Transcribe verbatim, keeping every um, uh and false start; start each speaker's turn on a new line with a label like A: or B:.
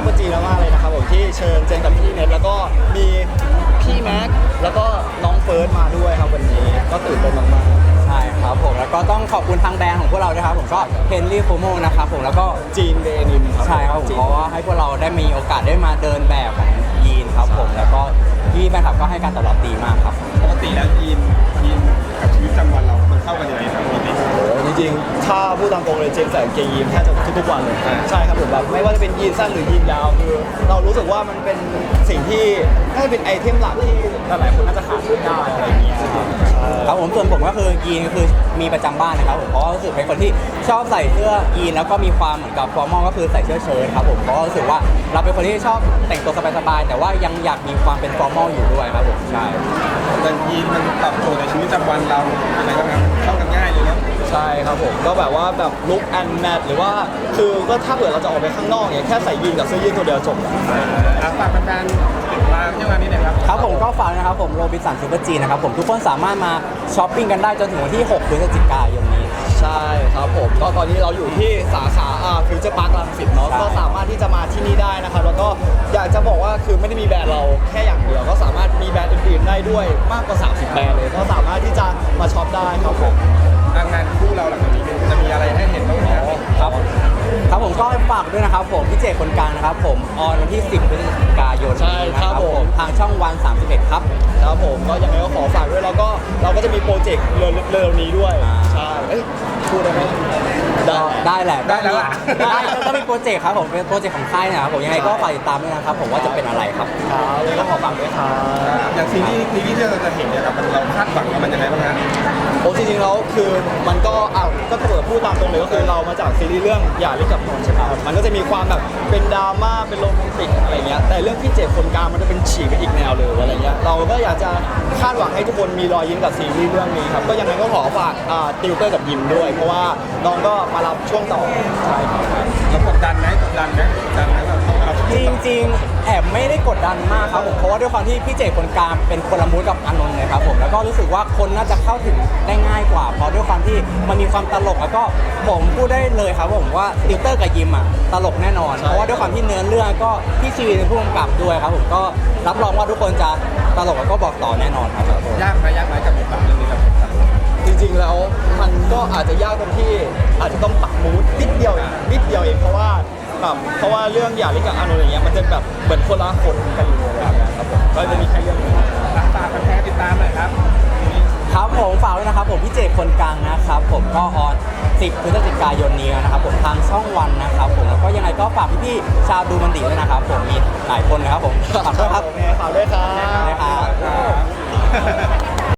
A: ปอร์จีมากๆเลยนะครับผมที่เชิญเจนกับพี่เน็ตแล้วก็มีพี่แม็กแล้วก็น้องเฟิร์สมาด้วยครับวันนี้ก็ตื่นเต้นมากๆ
B: ใช่ครับผมแล้วก็ต้องขอบคุณทางแบรนด์ของพวกเราด้วยครับผมก็เฮนรี่โฟโมนะครับผมแล้วก็
A: จีนเดนิมครับ
B: ใช่ครับผมเพราะว่าให้พวกเราได้มีโอกาสได้มาเดินแบบของยีนครับผมแล้วก็พี่แฟนคลับก็ให้การตอบรับดีมากครับ
C: ปกติแล้วยีนยีนกับชีวิตประจำวันเรามันเข้ากันยังไงครับปกติ
A: โอ้จริงๆถ้าพูดตามตรงเลยเจมส์ใส่กางเกงยีนแทบจะทุกๆวันเลยใช่ครับผมแบบไม่ว่าจะเป็นยีนสั้นหรือยีนยาวคือเรารู้สึกว่ามันเป็นสิ่งที่น่าจะเป็นไอเทมหลักที่หลายๆคนน่าจะขาดไม่ได้อะไรอย่างเงี้ย
B: ครับผมส่วนผมก็คือยีนก็คือมีประจำบ้านนะครับผมเพราะว่ารู้สึกเป็นคนที่ชอบใส่เสื้อยีนแล้วก็มีความเหมือนกับฟอร์มอลก็คือใส่เสื้อเชิ้ตครับผมเพราะรู้สึกว่าเราเป็นคนที่ชอบแต่งตัวสบายๆแต่ว่ายังอยากมีความเป็นฟอร์มอลอยู่ด้วยครับผมใช่
C: แต่ยีนมันตอบโจทย์ในชีวิตประจำวันเราอะไรบ้างครับเข้ากันง่ายเลยเนาะ
A: ใช่ครับผมก็แบบว่าแบบลุคแอนด์แมทหรือว่าคือก็ถ้าเกิดเราจะออกไปข้างนอกเนี่ยแค่ใส่ยีนกับเสื้อยืดตัวเดียวจบ
C: แล้วฝากแฟนๆติดตามที่วันนี้หน่อยครับ
B: ครับผมก็ฝากนะครับผมโรบินสันซูเปอร์จีนะครับผมทุกคนสามารถมาช้อปปิ้งกันได้จนถึงวันที่หกพฤศจิกายนนี้
A: ใช่ครับผมก็ตอนนี้เราอยู่ที่สาขาอ่าฟิวเจอร์พาร์ครังสิตเนาะก็สามารถที่จะมาที่นี่ได้นะครับแล้วก็อยากจะบอกว่าคือไม่ได้มีแบรนด์เราแค่อย่างเดียวก็สามารถมีแบรนด์อื่นๆได้ด้วยมากกว่าสามสิบแบรนด์เลยก็สามารถที่จะมาช็อปได้ครับผม
C: งานคู่เราหลังจากนี้จะมีอะไรให้เห็นบ้างไหม
B: ครับครับผมก็ฝากด้วยนะครับผมพี่เจคนกลางนะครับผมออนวันที่สิบพฤศจิกายน
A: ใช่ครับผม
B: ทางช่องวันสามสิบเอ็ดครับ
A: ครับผมก็ยังไงก็ขอฝากด้วยแล้วก็เราก็จะมีโปรเจกต์เร็วๆนี้ด้วยใช่เอ้ยพูดได้ไหม
B: ได้ได้แหละ
C: ได้แล้ว
B: ได้ก็มีโปรเจกต์ครับผมเป็นโปรเจกต์ของค่ายนะครับผมยังไงก็ฝากติดตามด้วยนะครับผมว่าจะเป็นอะไรครับ
A: ครับเลยก็ขอฝากด้วยครับ
C: อย่างซีรีส์ซีรีส์ที่เราจะเห็นเนี่ยครับมันเราคาดหวังว่ามันยังไงบ้างฮะ
A: โอ้จริงๆแล้วคือมันก็อ่ะก็ถ้าเกิดพูดตามตรงเลยก็คือเรามาจากซีรีส์เรื่องอย่าลิกับนนท์ใช่ไหมครับมันก็จะมีความแบบเป็นดราม่าเป็นโรแมนติกอะไรเงี้ยแต่เรื่องพี่เจคนกลางมันจะเป็นฉีกไปอีกแนวเลยอะไรเงี้ยเราก็อยากจะคาดหวังให้ทุกคนมีรอยยิ้มกับซีรีส์เรื่องนี้ครับก็ยังไงก็ขอฝากอ่าติวเตอร์กับยิมด้วยเพราะว่าน้องก็มารับช่วงต่อใช่ครับ
C: แล้วกดดันไหมกดดันไหมกดดันไหมแบบต้องมารับ
B: จริงๆแอบไม่ได้กดดันมากครับผมเพราะว่าด้วยความที่พี่เจคนกลางเป็นคนละมูดกับอานนท์เลยครับผมแล้วก็รู้สึกว่าคนน่าจะเข้าถึงได้ง่ายกว่าเพราะด้วยความที่มันมีความตลกแล้วก็ผมพูดได้เลยครับผมว่าติวเตอร์กับยิมอ่ะตลกแน่นอนเพราะว่าด้วยความที่เนื้อเรื่องก็พี่ชีเป็นผู้กำกับด้วยครับผมก็รับรองว่าทุกคนจะตลกแล้วก็บอกต่อแน่นอนครับ
C: ยากไหมยากไหมกับบทบาทเรื่องนี้ครับ
A: จริงๆแล้วมันก็อาจจะยากตรงที่อาจจะต้องปรับมูดนิดเดียวเองนิดเดียวเองเพราะว่าแบบเพราะว่าเรื่องอย่าลิกับอานนท์อย่างเงี้ยมันจะแบบเหมือนคนละคนกันเลยครับผมก็จะมีแค่เรื่องนี้
C: ฝากแฟนๆติดตามหน่อยครับ
B: ครับผมฝากด้วยนะครับผมพี่เจคนกลางนะครับผมก็ออนสิบพฤศจิกายนนี้นะครับผมทางช่องวันนะครับผมแล้วก็ยังไงก็ฝากพี่ๆชาวดูมันดีด้วยนะครับผมมีหลายคนนะครับผมฝากด้วยครับ
A: ฝากด้วยครับ
B: นะครับ